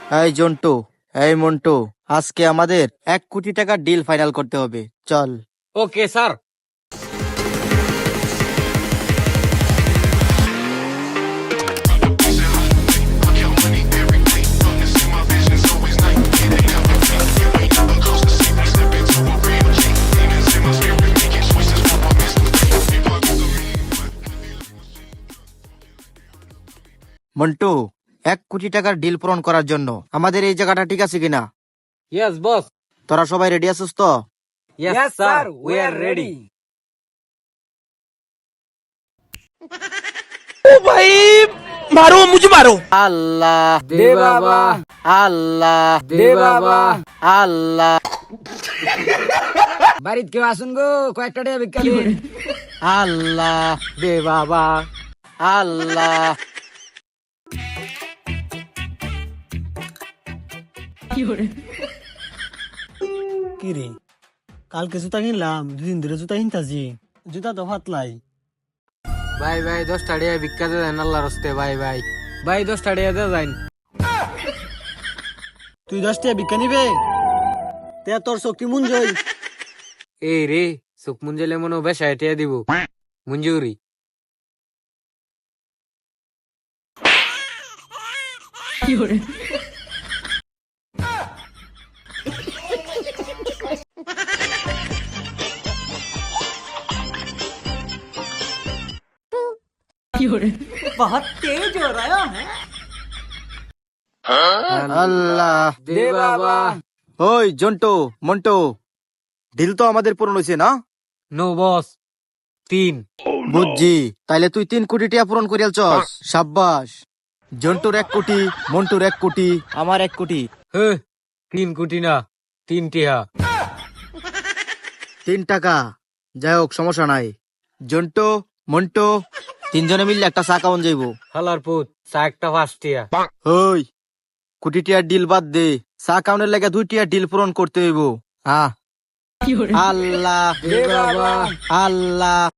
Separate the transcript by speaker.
Speaker 1: এই জন্টু, এই মন্টু, আজকে আমাদের 1 কোটি টাকার ডিল ফাইনাল করতে হবে। চল।
Speaker 2: Okay sir.
Speaker 1: মন্টু, 1 কোটি টাকার ডিল পূরণ করার জন্য আমাদের এই জায়গাটা ঠিক আছে কিনা?
Speaker 2: Yes boss.
Speaker 1: তোরা সবাই রেডি আছিস তো?
Speaker 2: Yes sir, we are ready.
Speaker 1: Allah
Speaker 2: দে বাবা,
Speaker 1: আল্লাহ
Speaker 2: দে বাবা।
Speaker 1: আল্লাহ
Speaker 2: বাড়িত কেউ আসুন গো, কয়েকটা টাকা ভিক্ষা দিন।
Speaker 1: আল্লাহ
Speaker 2: দে বাবা।
Speaker 1: আল্লাহ।
Speaker 3: কি রে, কালকে জুতা কিনলাম, 2 দিন ধরে জুতা কিনতাছি, জুতা তো ফাতলাই।
Speaker 2: ভাই ভাই 10টা টাকা ভিক্ষা দে দেন আল্লাহর হস্তে। ভাই ভাই ভাই 10টা টাকা দে যাইন।
Speaker 3: তুই 10 টাকা ভিক্ষা নিবে? তে তোর শক্তি মন জয়।
Speaker 2: এই রে, সুখ মুঞ্জলে মনে বেশায় টাকা দিব। মঞ্জুরি।
Speaker 3: বহুত তেজ हो रहा है।
Speaker 1: আল্লাহ।
Speaker 2: দে বাবা।
Speaker 1: ওই জন্টু, মন্টু, ডিল তো আমাদের পূরণ হয়েছে না?
Speaker 2: No boss. 3।
Speaker 1: বুঝছি, তাইলে তুই 3 কোটি টাকা পূরণ করিয়াল চস। সাব্বাস। জন্টুর 1 কোটি, মন্টুর 1 কোটি, আমার 1 কোটি।
Speaker 2: 3 কোটি না, 3 টাকা।
Speaker 1: 3 টাকা। যাই হোক, সমস্যা নাই। জন্টু, মন্টু, 3জনে মিললে একটা চা খাওয়ান যাইব।
Speaker 2: হালার পুত, চা একটা 5 টাকা।
Speaker 1: ওই, 1 কোটি টাকার ডিল বাদ দে, চা খাওয়ানোর লাগে 2 টাকার ডিল পূরণ করতে হইব। আল্লাহ
Speaker 2: দে বাবা।
Speaker 1: আল্লাহ